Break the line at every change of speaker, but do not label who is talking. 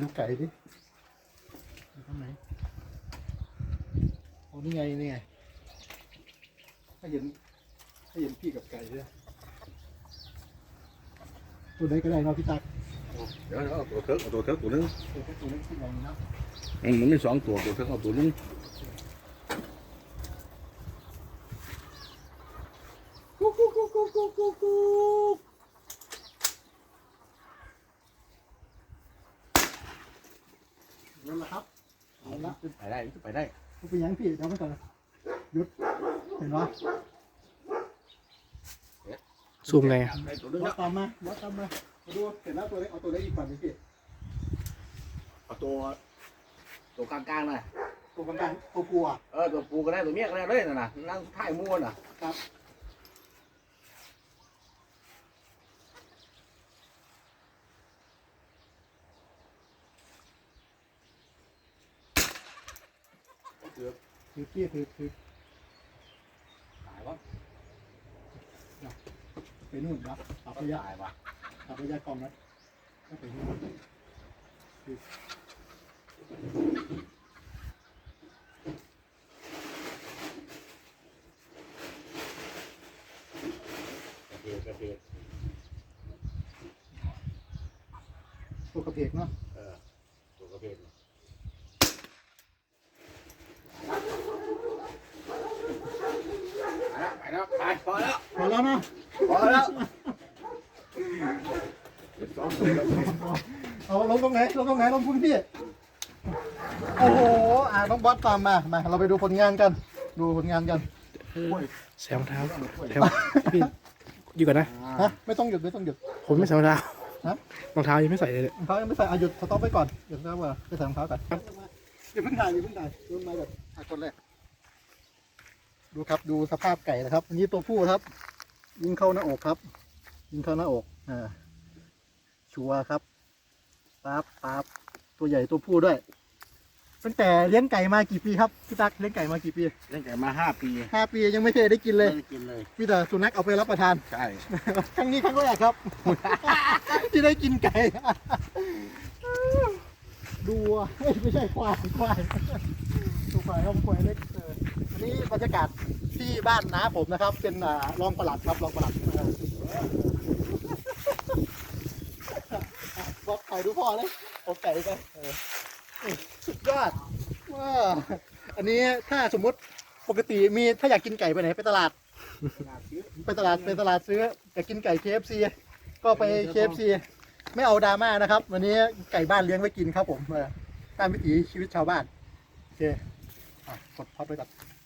ไก่ดิอยู่ตรงไหนโอ้นี่ไงนี่ไงให้เห็นพี่กับไก่ด้วยตัวไหนก็ได้เนาะพี่ตั๊ก
เดี๋ยวเอาตัวเทิร์กตัวนึง
ตัวเล็กที่ใหญ่เนาะ
มันมี2ตัวเทิร์กเอาตัวนึง
กุ๊กกุ๊กกุ๊กกุ๊กกุ๊กกุ๊กกุ๊กนั่นแหละครับเอาละ
ไปได้ไปได้
ไปยังพี่เดี๋ยวไปก่อนหยุดเห็นไหม
ซูมไง
วัดตามมามาดูเสร็จแล้วตัวเล็กเอาตัวเล็กอีกฝั่งนึงพี่
เอาตัวกลางๆนะ
ตัวกลางตัวปูอ่ะ
ตัวปูก็ได้ตัวเมียก็ได้เลยนะนั่งถ่ายม้วนน่ะ
ครับถือพี่ถือ
ตายวะ
ไปนู่นครับตับระยะ
ตายวะ
ตับระยะกองนะก็ไปนู่น
กระเพก
ตัวกระเพกเนาะ
ตัวกระเพกไปแล้วพอแล้ว
นะเอาลงตรงไหนลงพื้นที่โอ้โหน้องบอสตามมาเราไปดูผลงานกัน
แซมเท้าพี่อยู่ก่อนนะ
ฮะไม่ต้องหยุด
ผมไม่ใส่รองเท้า
ฮะ
รองเท้ายังไม่ใส่เลย
รองเท้ายังไม่ใส่หยุดสต็อปไปก่อนหยุดแล้วว่าไปใส่รองเท้าก่อนอย่าเพิ่งถ่ายดูมาแบบคนแรกดูครับดูสภาพไก่นะครับอันนี้ตัวผู้ครับยิงเข้าหน้าอกครับยิงเข้าหน้าอกชัวร์ครับปั๊บตัวใหญ่ตัวผู้ด้วยตั้งแต่เลี้ยงไก่มากี่ปีครับพี่ตั๊กเลี้ยงไก่มากี่ปี
เลี้ยงไก่มา5 ปี
ยังไม่เคยได้กินเลยมีแต่สุนัขเอาไปรับประทาน
ใช่
ครั้งนี้ครั้งแรกครับ ที่ได้กินไก่ดูไม่ใช่ควายตัวควายครับควายเล็กอันนี้บรรยากาศที่บ้านน้าผมนะครับเป็นรองปลัดครับรองปลัดบอกไก่ดูพ่อเลยเอาไก่ไปสุดยอดว้าอันนี้ถ้าสมมุติปกติมีถ้าอยากกินไก่ไปไหนไปตลาดซื้ออยากกินไก่ KFC ก็ไป KFC ไม่เอาดราม่านะครับวันนี้ไก่บ้านเลี้ยงไว้กินครับผมตามวิถีชีวิตชาวบ้านโอเคกดพับไปก่อน